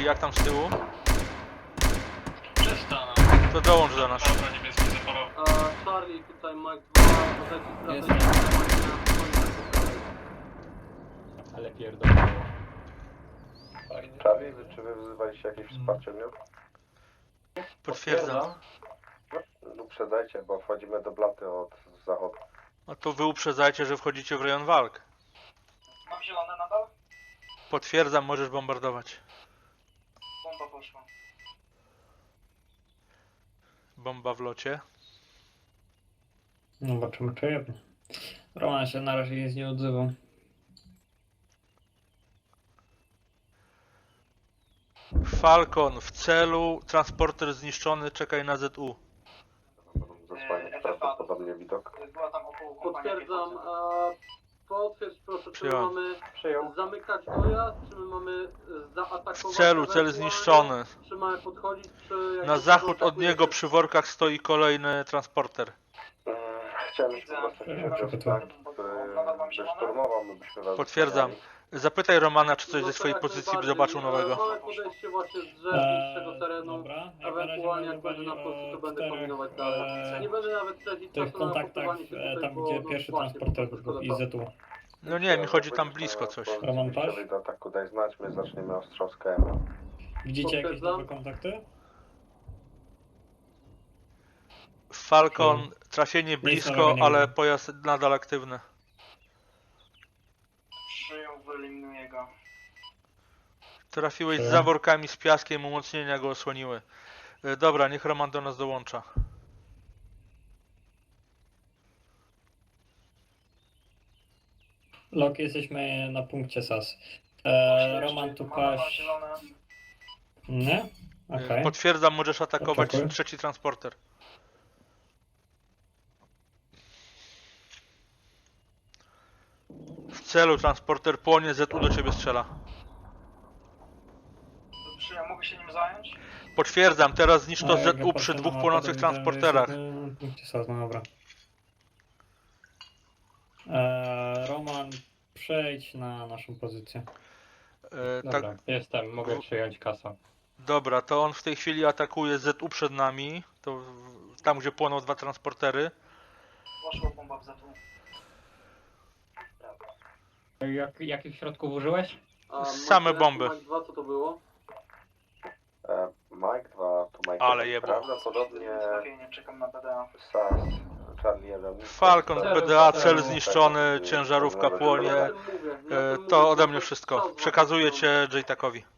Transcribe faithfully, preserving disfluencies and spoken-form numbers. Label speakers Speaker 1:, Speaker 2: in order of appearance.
Speaker 1: jak tam z tyłu?
Speaker 2: Przestaną.
Speaker 1: To dołącz do nas.
Speaker 2: Dobra, niebieski zapalał.
Speaker 3: A Charlie, tutaj Mike dwa, podajcie sprawę.
Speaker 4: Ale pierdolę.
Speaker 5: Charlie, czy wy wzywaliście jakieś wsparcie mnie?
Speaker 1: Potwierdzam.
Speaker 5: No, uprzedzajcie, bo wchodzimy do blaty od zachodu.
Speaker 1: No to wy uprzedzajcie, że wchodzicie w rejon walk.
Speaker 2: Mam zielone nadal?
Speaker 1: Potwierdzam, możesz bombardować.
Speaker 2: Bomba poszła.
Speaker 1: Bomba w locie.
Speaker 6: Zobaczymy czy jedno. Roman się na razie nic nie odzywał.
Speaker 1: Falcon w celu, transporter zniszczony, czekaj na Z U.
Speaker 5: Będą zasłaniać prawdopodobnie widok.
Speaker 2: Była tam około kompanii
Speaker 3: Potwierdzam,
Speaker 2: piechoty.
Speaker 3: a potwierdź proszę, czy my
Speaker 1: Przyjąłem.
Speaker 3: mamy
Speaker 5: Przyjął.
Speaker 3: zamykać dojazd, czy my mamy zaatakować
Speaker 1: W celu, cel
Speaker 3: ewentualnie,
Speaker 1: zniszczony.
Speaker 3: Czy mamy podchodzić, czy... jak
Speaker 1: Na
Speaker 3: się
Speaker 1: zachód od
Speaker 3: zaatakuje,
Speaker 1: niego
Speaker 3: czy-
Speaker 1: przy workach stoi kolejny transporter.
Speaker 5: Mm, Chciałem już po prostu się wziąć tak, który szturmował, my byśmy was
Speaker 1: Potwierdzam.
Speaker 5: zasłaniali.
Speaker 1: Zapytaj Romana, czy coś
Speaker 3: No
Speaker 1: ze
Speaker 3: to
Speaker 1: swojej
Speaker 3: jak
Speaker 1: pozycji
Speaker 3: najbardziej.
Speaker 1: zobaczył
Speaker 3: E,
Speaker 1: nowego.
Speaker 3: Mamy podejście właśnie z drzew
Speaker 6: Eee,
Speaker 3: z tego terenu.
Speaker 6: dobra, jak na razie
Speaker 3: Ewentualnie jak
Speaker 6: mamy
Speaker 3: będę na
Speaker 6: wali
Speaker 3: pozycji, to
Speaker 6: o
Speaker 3: będę
Speaker 6: czterech,
Speaker 3: kombinować
Speaker 6: eee,
Speaker 3: dalej. Nie będę nawet tracić
Speaker 6: tych
Speaker 3: czasu na
Speaker 6: kontaktach,
Speaker 3: posłuchanie się
Speaker 6: e,
Speaker 3: tutaj,
Speaker 6: tam
Speaker 3: bo,
Speaker 6: gdzie
Speaker 3: no,
Speaker 6: pierwszy
Speaker 3: właśnie,
Speaker 6: transporter
Speaker 3: po prostu
Speaker 6: i
Speaker 3: szkoda
Speaker 6: Z U.
Speaker 1: No nie, mi chodzi tam blisko coś.
Speaker 6: Roman
Speaker 5: Jeśli
Speaker 6: Paś?
Speaker 5: do ataku daj znać, my zaczniemy ostrzał z K M.
Speaker 6: Widzicie jakieś
Speaker 3: Potwierdzam.
Speaker 6: nowe kontakty?
Speaker 1: Falcon, trafienie blisko,
Speaker 6: nowego nie
Speaker 1: ale
Speaker 6: wiem.
Speaker 1: pojazd nadal aktywny.
Speaker 2: Przyjął, wyeliminuję go.
Speaker 1: Trafiłeś z
Speaker 6: Przyjąłem.
Speaker 1: zaworkami z piaskiem, umocnienia go osłoniły. E, Dobra, niech Roman do nas dołącza.
Speaker 6: Lok, jesteśmy na punkcie S A S. Eee, Roman tu
Speaker 2: Mam
Speaker 6: paś.
Speaker 2: zielone.
Speaker 6: Nie? Okej.
Speaker 1: Potwierdzam, możesz atakować
Speaker 6: Atakuj.
Speaker 1: trzeci transporter. W celu transporter płonie, Z U do ciebie strzela.
Speaker 2: Przyjął, mogę się nim zająć?
Speaker 1: Potwierdzam, teraz zniszcz to
Speaker 6: A, jak
Speaker 1: Z
Speaker 6: ja
Speaker 1: U
Speaker 6: patrzę
Speaker 1: przy
Speaker 6: na
Speaker 1: dwóch
Speaker 6: mapę,
Speaker 1: płonących
Speaker 6: to widzę, że
Speaker 1: transporterach.
Speaker 6: jesteśmy na punkcie S A S, no dobra. Eee, Roman, przejdź na naszą pozycję.
Speaker 1: E, tak,
Speaker 4: Dobra, jestem, mogę przyjąć kasę.
Speaker 1: dobra, to on w tej chwili atakuje Z U przed nami. To w- tam, gdzie płoną dwa transportery.
Speaker 2: Poszła bomba w zatu.
Speaker 4: Jak, jakich środków użyłeś?
Speaker 3: A
Speaker 1: Same
Speaker 3: Mike
Speaker 1: bomby.
Speaker 3: Mike dwa, co to było?
Speaker 5: E, Mike dwa, to Mike
Speaker 1: Ale
Speaker 5: jeden.
Speaker 1: jebło.
Speaker 5: Prawdopodobnie
Speaker 2: Trafienie, czekam na B D A.
Speaker 5: S A S, Charlie jeden.
Speaker 1: Falcon,
Speaker 3: Celu,
Speaker 1: B D A,
Speaker 3: celu.
Speaker 1: cel zniszczony, ciężarówka płonie.
Speaker 3: Ja o tym mówię, ja o
Speaker 1: E,
Speaker 3: tym
Speaker 1: To
Speaker 3: mówię,
Speaker 1: ode
Speaker 3: bo
Speaker 1: mnie
Speaker 3: to
Speaker 1: wszystko.
Speaker 3: czas
Speaker 1: Przekazuję
Speaker 3: właśnie
Speaker 1: cię J-Takowi.